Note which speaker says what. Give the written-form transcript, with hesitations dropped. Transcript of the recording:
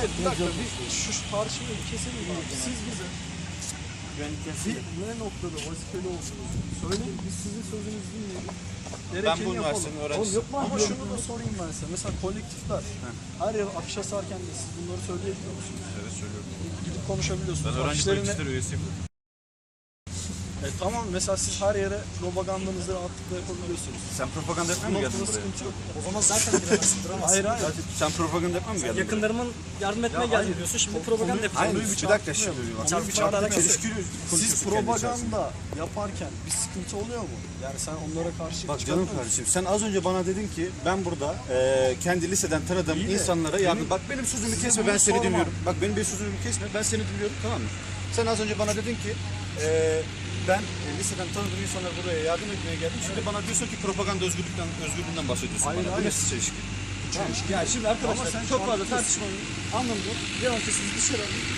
Speaker 1: Hayır bir dakika şu tartışmayı bir keselim abi. Siz bize ne noktada vazifeli olsunuz? Söyleyin biz sizin sözünüzü dinleyelim.
Speaker 2: Ben bu üniversitenin öğrencisiyim.
Speaker 1: Ama şunu da sorayım ben size. Mesela kolektifler her yer afişe sarken de siz bunları söyleyebiliyor musunuz?
Speaker 2: Evet söylüyorum.
Speaker 1: Gidip konuşabiliyorsunuz.
Speaker 2: Ben öğrenci
Speaker 1: Afişlerini-
Speaker 2: kolektifleri üyesiyim.
Speaker 1: Tamam mesela siz her yere propagandanızı rahatlıkla yapabiliyorsunuz.
Speaker 2: Sen propaganda yapmaya
Speaker 1: Bu
Speaker 2: mı geldin
Speaker 1: noktada
Speaker 2: buraya?
Speaker 1: sıkıntı yok.
Speaker 3: O zaman zaten giremezsin, duramazsın.
Speaker 1: Hayır hayır.
Speaker 2: Sen propaganda yapmaya mı geldin buraya?
Speaker 3: Yakınlarımın yardım etmeye geldim diyorsun, şimdi propaganda
Speaker 2: Hayır,
Speaker 3: yapıyorsun.
Speaker 2: bir dakika şimdi.
Speaker 3: Konuyu bir çarpıtmayalım.
Speaker 2: Çelişkili
Speaker 1: Siz
Speaker 2: konuşuyorsun kendi içerisinde.
Speaker 1: propaganda yaparken bir sıkıntı oluyor mu? Yani sen onlara karşı
Speaker 2: Bak
Speaker 1: çıkartmıyor
Speaker 2: canım
Speaker 1: musun?
Speaker 2: kardeşim, sen az önce bana dedin ki ben burada kendi liseden tanıdığım
Speaker 1: İyi de
Speaker 2: insanlara yardım... Bak benim sözümü
Speaker 1: size
Speaker 2: kesme,
Speaker 1: bunu
Speaker 2: ben seni
Speaker 1: sormam.
Speaker 2: dinliyorum. Bak benim bir sözümü kesme, ben seni dinliyorum, tamam mı? Sen az önce bana dedin ki ben liseden tanıdığım insanlara buraya yardım etmeye geldim. Şimdi bana diyorsun ki propaganda özgürlüğünden bahsediyorsun
Speaker 1: Hayır,
Speaker 2: bana. Bu
Speaker 1: hayır.
Speaker 2: nasıl çelişki?
Speaker 3: Yani şimdi
Speaker 1: Ama
Speaker 3: arkadaşlar
Speaker 1: sen
Speaker 3: çok
Speaker 1: şu an
Speaker 3: fazla tartışmanın anlamı yok. Devamlı siz dışarı